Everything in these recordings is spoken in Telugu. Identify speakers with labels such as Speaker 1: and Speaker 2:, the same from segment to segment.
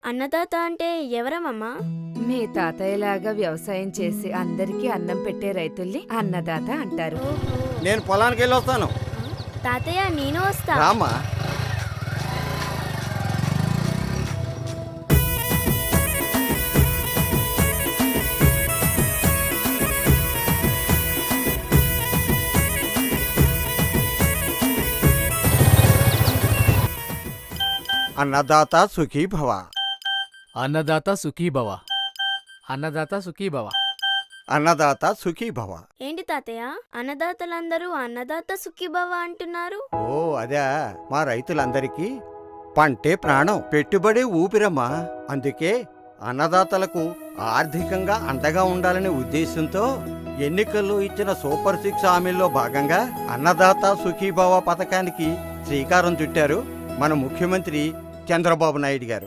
Speaker 1: అన్నదాత అంటే ఎవరమ్మా?
Speaker 2: మీ తాతయ్యలాగా వ్యవసాయం చేసి అందరికీ అన్నం పెట్టే రైతుల్ని అన్నదాత అంటారు.
Speaker 1: ఓహో.
Speaker 3: నేను పొలానికి వెళ్ళి వస్తాను.
Speaker 1: తాతయ్య నేను వస్తా.
Speaker 3: రామా. అన్నదాత సుఖీభవ.
Speaker 4: అన్నదాత సుఖీభవ. అన్నదాత సుఖీభవ.
Speaker 3: అన్నదాత సుఖీభవ.
Speaker 1: ఏంటి తాతయ్య, అన్నదాతలందరూ అన్నదాత సుఖీభవ అంటున్నారు?
Speaker 3: ఓ అదే, మా రైతులందరికీ పంటే ప్రాణం, పెట్టుబడి ఊపిరమ్మా. అందుకే అన్నదాతలకు ఆర్థికంగా అండగా ఉండాలనే ఉద్దేశంతో ఎన్నికల్లో ఇచ్చిన సూపర్ 6 హామీల్లో భాగంగా అన్నదాత సుఖీభవ పథకానికి శ్రీకారం చుట్టారు మన ముఖ్యమంత్రి చంద్రబాబు నాయుడు గారు.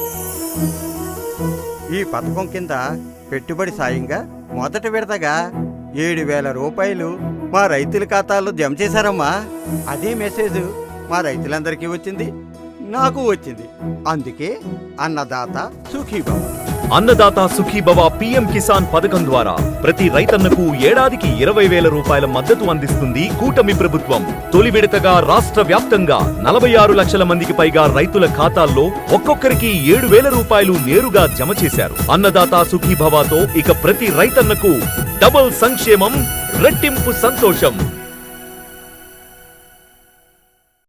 Speaker 3: ఈ పథకం కింద పెట్టుబడి సాయంగా మొదటి విడతగా 7,000 రూపాయలు మా రైతుల ఖాతాల్లో జమ చేశారమ్మా. అదే మెసేజ్ మా రైతులందరికీ వచ్చింది, నాకు వచ్చింది. అందుకే అన్నదాత సుఖీభవ.
Speaker 5: అన్నదాత సుఖీభవ పీఎం కిసాన్ పథకం ద్వారా ప్రతి రైతన్నకు ఏడాదికి 20,000 రూపాయల మద్దతు అందిస్తుంది కూటమి ప్రభుత్వం. తొలి విడతగా రాష్ట్ర వ్యాప్తంగా 46 లక్షల మందికి పైగా రైతుల ఖాతాల్లో ఒక్కొక్కరికి 7,000 రూపాయలు నేరుగా జమ చేశారు. అన్నదాత సుఖీభవతో ఇక ప్రతి రైతన్నకు డబుల్ సంక్షేమం, రెట్టింపు సంతోషం.